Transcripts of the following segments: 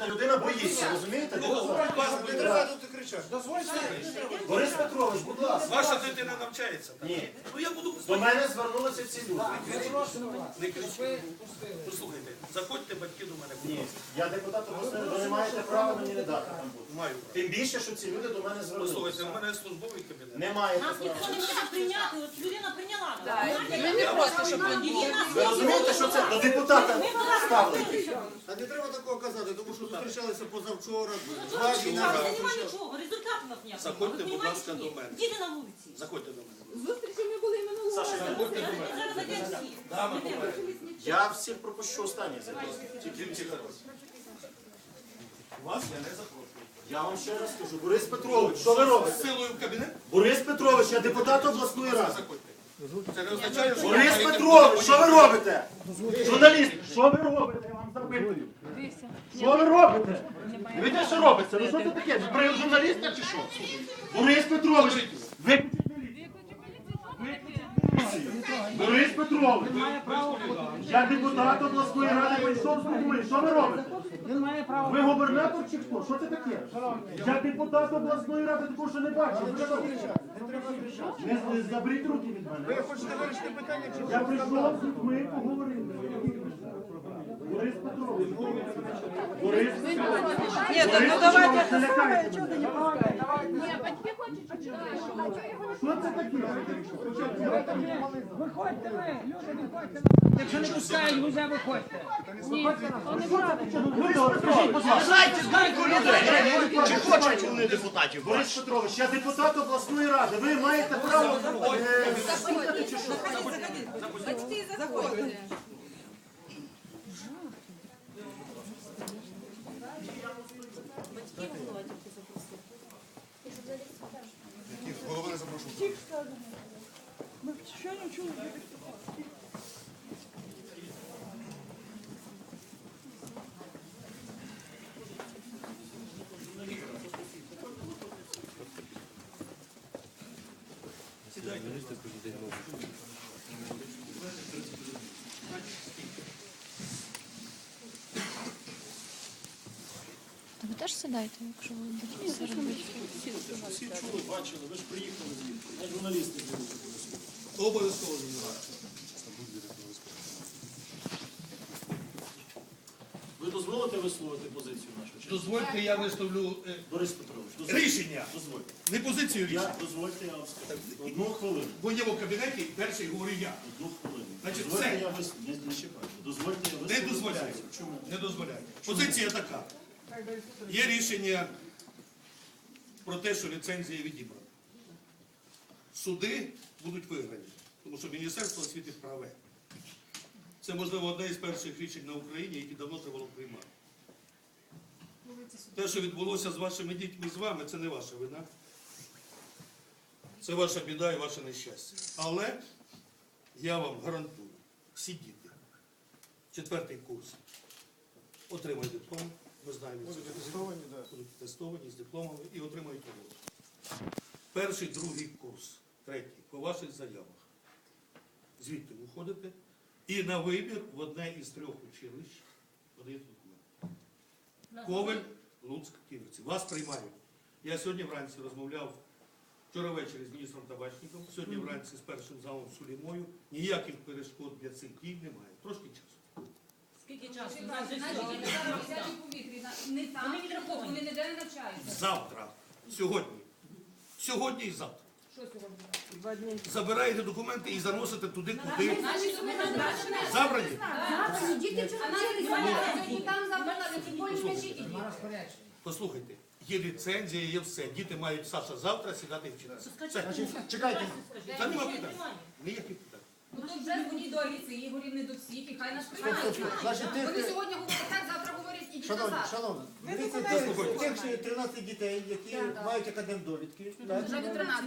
Людина боїться, розумієте? Не треба тут кричати. Борис Петрович, будь ласка. Ваша дитина навчається? Ні. Ну я буду... До мене звернулися ці люди. Не кричіть. Послухайте, заходьте батьки до мене. Ні, я депутат обласної, ви не маєте права мені не дати там бути. Маю. Тим більше, що ці люди до мене Послухайте, звернулися. у мене службовий кабінет. Не маєте Нас права. ніхто не може прийняти, от людина прийняла. Ми не проти, щоб Ви розумієте, що це до депутата ставлять? А не треба такого казати, тому що зустрічалися позавчора. Немає нічого, результату у нас ніякого. Заходьте, будь ласка, до мене. Діти на вулиці. Заходьте до мене. зустрічі ми були минулого Саша, разу. заходьте до мене. Зараз зайдемо всі. Дами попереду. Я всіх пропущу останній зараз. Тільки ці зараз. Вас я не запрошую. Я вам ще раз скажу. Борис Петрович, що ви робите? З силою в кабінет? Борис Петрович, я депутат обласної ради. Заходьте. Це не означає, що... Борис Петрович, що ви робите? Журналіст, що ви робите? Я вам запитую. Що ви робите? Дивіться, що робиться? Ну що це таке? Ви при журналіста чи що? Борис Петрович, ви... Борис Петрович, я депутат обласної ради прийшов з людьми. Що ви робите? Ви губернатор чи хто? Що це таке? Я депутат обласної ради, такого що не бачив. Ви що? Не заберіть руки від мене. Ви хочете вирішити питання, чи Я прийшов з людьми поговорити. Борис Петрович. Борис Петрович. Ні, ну давайте, не лякайте мене. Ні, батьки хочуть, щоб Що це таке? Виходьте ви, люди, виходьте. Якщо не пускають, вже виходьте. Знайте, людей. Чи хочуть вони депутатів? Борис Петрович, я депутат обласної ради. Ви маєте право слухати чи що? батьки заходять. голова не запрошував? Ми щойно чули. Ви теж сідайте, якщо ви будете це робити. Всі чули, бачили, ви ж приїхали звідти. Я журналісти були. Обов'язково займається. Ви дозволите висловити позицію нашу? Чи ні? Дозвольте, я виставлю Борис Петрович, дозвольте. рішення. Дозвольте. Не позицію рішення. Дозвольте, я вам скажу. Одну хвилину. В моєму кабінеті перший говорю я. Одну хвилину. Значить, Дозвольте, все. я не чекаю. Дозвольте, я Не висловлю дозволяю. позицію. Чому? Не дозволяю. Позиція така. Є рішення про те, що ліцензія відібрана. Суди будуть виграні, тому що Міністерство освіти праве. Це, можливо, одне із перших рішень на Україні, які давно треба було приймати. Те, що відбулося з вашими дітьми, з вами, це не ваша вина. Це ваша біда і ваше нещастя. Але я вам гарантую, всі діти, 4-й курс, отримають диплом. Ми знаємо, будуть тестовані з дипломами і отримають роботу. 1-й, 2-й курс, 3-й, по ваших заявах. Звідти виходите і на вибір в одне із 3 училищ подаєте документи. Ковель, Луцьк, Ківерці. Вас приймають. Я сьогодні вранці розмовляв, вчора ввечері з міністром Табачником, сьогодні вранці з першим залом Сулімою. Ніяких перешкод для цих дій немає. Трошки часу. Скільки часу? Не там, вони ніде не навчаються. Завтра, сьогодні. Сьогодні і завтра. Що сьогодні? Забираєте документи і заносите туди, куди. Наші суми назначені. Забрані? Діти чого сьогодні там завтра, тим більше скажіть. Послухайте, є ліцензія, є все. Діти мають, Саша, завтра сідати і вчитися. Все. Чекайте. Та нема питань. Ніяких питань. Ну то вже дзвоніть до Аліси Ігорів, не до всіх, і хай нас приймають. Значить, Вони сьогодні говорять так, завтра говорять, ідіть Шановні, назад. шановні, тих 13 дітей, які мають академдовідки, так? Вже до 13.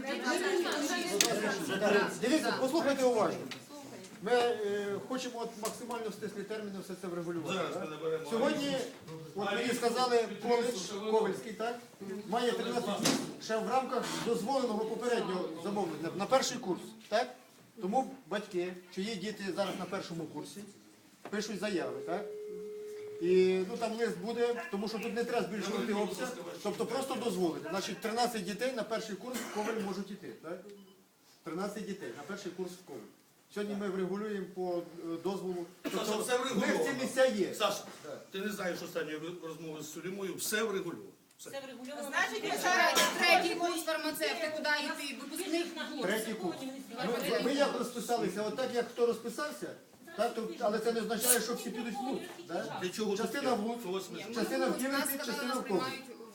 Дивіться, послухайте уважно. Ми хочемо от максимально в стислі терміни все це врегулювати. Зараз ми так? наберемо. Сьогодні, от мені сказали, Ковальський, так? Має 13 дітей ще в рамках дозволеного попереднього замовлення на 1-й курс, так? Тому батьки, чиї діти зараз на 1-му курсі, пишуть заяви, так? І ну там лист буде, тому що тут не треба збільшувати обсяг, тобто просто дозволити. Значить, 13 дітей на перший курс в Ковель можуть іти. Так? 13 дітей на перший курс в Ковель. Сьогодні ми врегулюємо по дозволу. Тобто, все в них ці врегульовано. місця є. Саша, ти не знаєш останньої розмови з Сулімою, все врегульовано. Все. Це врегульовано. Третій курс фармацевти, куди йти, випускник. Третій курс. Ми як розписалися, от так як хто розписався, так, то, але це не означає, що всі підуть в Луцьк. Так? Для чого Частина в Луцьк, частина в Ківерці, частина в Ковель.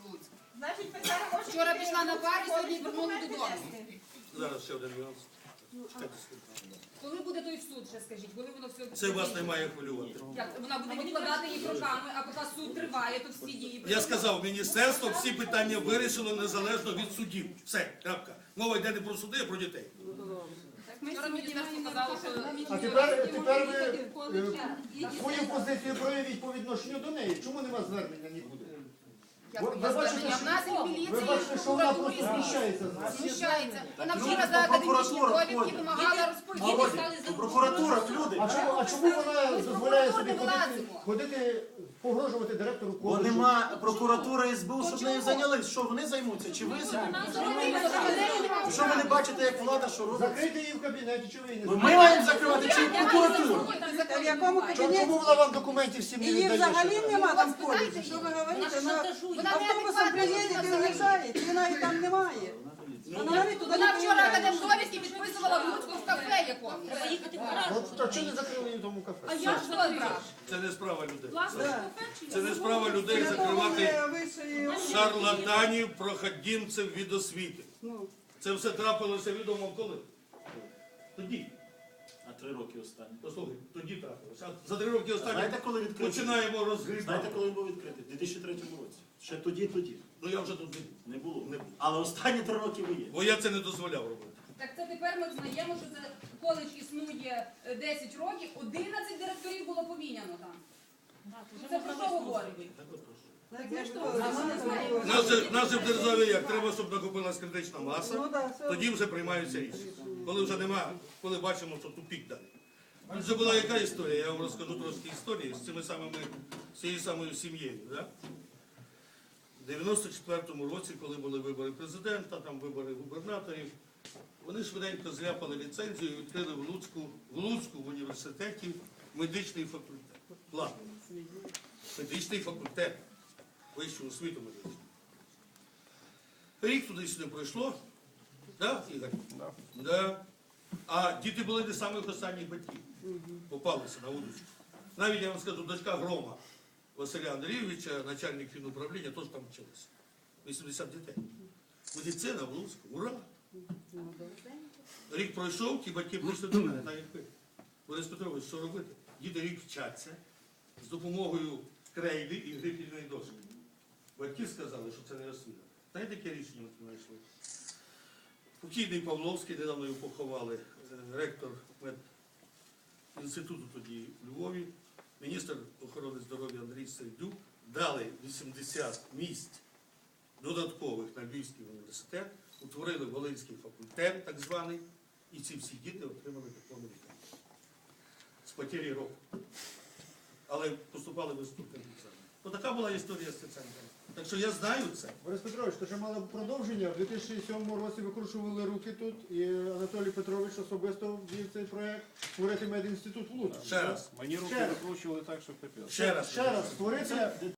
Вчора пішла на парі, сьогодні вернули додому. Зараз ще один нюанс. Чекайте секунду. Коли буде той суд, ще скажіть, коли воно все... Це вас не має хвилювати. Як вона буде відкладати їх роками, а поки суд триває, то всі дії... Я сказав, міністерство всі питання вирішило незалежно від судів. Все, крапка. Мова йде не про суди, а про дітей. Вчора міністерство сказало, що... А тепер ви свою позицію проявіть по відношенню до неї. Чому нема звернення нікуди? Ви бачите, В нас і в міліції, ви бачите, і в що вона прокуратурі просто знущається з вас. знущається. Вона вчора за академічні довідки вимагала розповідати. Прокуратура, люди. А чому вона дозволяє собі ходити, погрожувати директору Бо коледжу? нема прокуратури СБУ, щоб нею зайнялись. Що вони займуться? Чи ви займуєтеся? Що ви не бачите, як влада, що робить? Закрийте її в кабінеті, чи ви її не Ми закриєте? маємо закривати чи прокуратуру? В якому кабінеті? Чому вона вам документів всім не Її віддає? взагалі ще? нема там в коледжі. Що ви говорите? Вона автобусом приїде і уїжджає, і вона її там немає. Вона навіть туди Вона не вчора приїжджає. академдовідки підписувала в Луцьку в кафе якомусь. Треба їхати в гараж. От, а чого не закрили її в тому кафе? А я що брав? Це не справа людей. Да. Це не справа людей Для того закривати ми вищої освіти. шарлатанів, проходімців від освіти. Ну, Це все трапилося відомо коли? Тоді. А 3 роки останні. Послухай, тоді трапилося. А за 3 роки останні Знаєте, коли відкритий? починаємо розгрібати. Знаєте, коли він був відкритий? У 2003 році. Ще тоді. Ну я вже тут не Не було. Не було. Але останні 3 роки ви є. бо я це не дозволяв робити. Так це тепер ми знаємо, що це коледж існує 10 років, 11 директорів було поміняно там. Це про що говорить? так я ж то, вона не знає. Нас же в державі як? Треба, щоб накопилась критична Ну, маса, да, все. тоді вже приймаються рішення. Коли вже нема, коли бачимо, що тупік далі. Тут же була яка історія, я вам розкажу трошки історії з цією самою сім'єю. Да? У 94-му році, коли були вибори президента, там вибори губернаторів, вони швиденько зляпали ліцензію і відкрили в Луцьку в університеті медичний факультет. Ладно. Медичний факультет. Вищу освіту медичну. Рік туди-сюди пройшло. Да, Ігор? Да. А діти були не самих останніх батьків. Попалися на вулицю. Навіть я вам скажу, дочка Грома Василя Андрійовича, начальник фінуправління, теж там вчилася. 80 дітей. Медицина в Луцьку. Ура! Рік пройшов, ті батьки прийшли до мене, так як ви. Борис Петрович, що робити? Діти рік вчаться з допомогою крейди і грифельної дошки. Батьки сказали, що це не освіта. Знаєте, яке рішення ми знайшли? Покійний Павловський, недавно його поховали, ректор медінституту тоді в Львові, міністр охорони здоров'я Андрій Сердюк дали 80 місць додаткових на Львівський університет, утворили Волинський факультет, так званий, і ці всі діти отримали дипломи лікаря. З потері року. Але поступали без вступних екзаменів. Ну така була історія з Стеценком. Так що я знаю це. Борис Петрович, то що мало продовження. В 2007 році викручували руки тут, і Анатолій Петрович особисто вів цей проєкт створити медінститут в Луцьку. Ще раз. Мені руки Ще раз. викручували так, що капець. Ще раз. Ще раз створити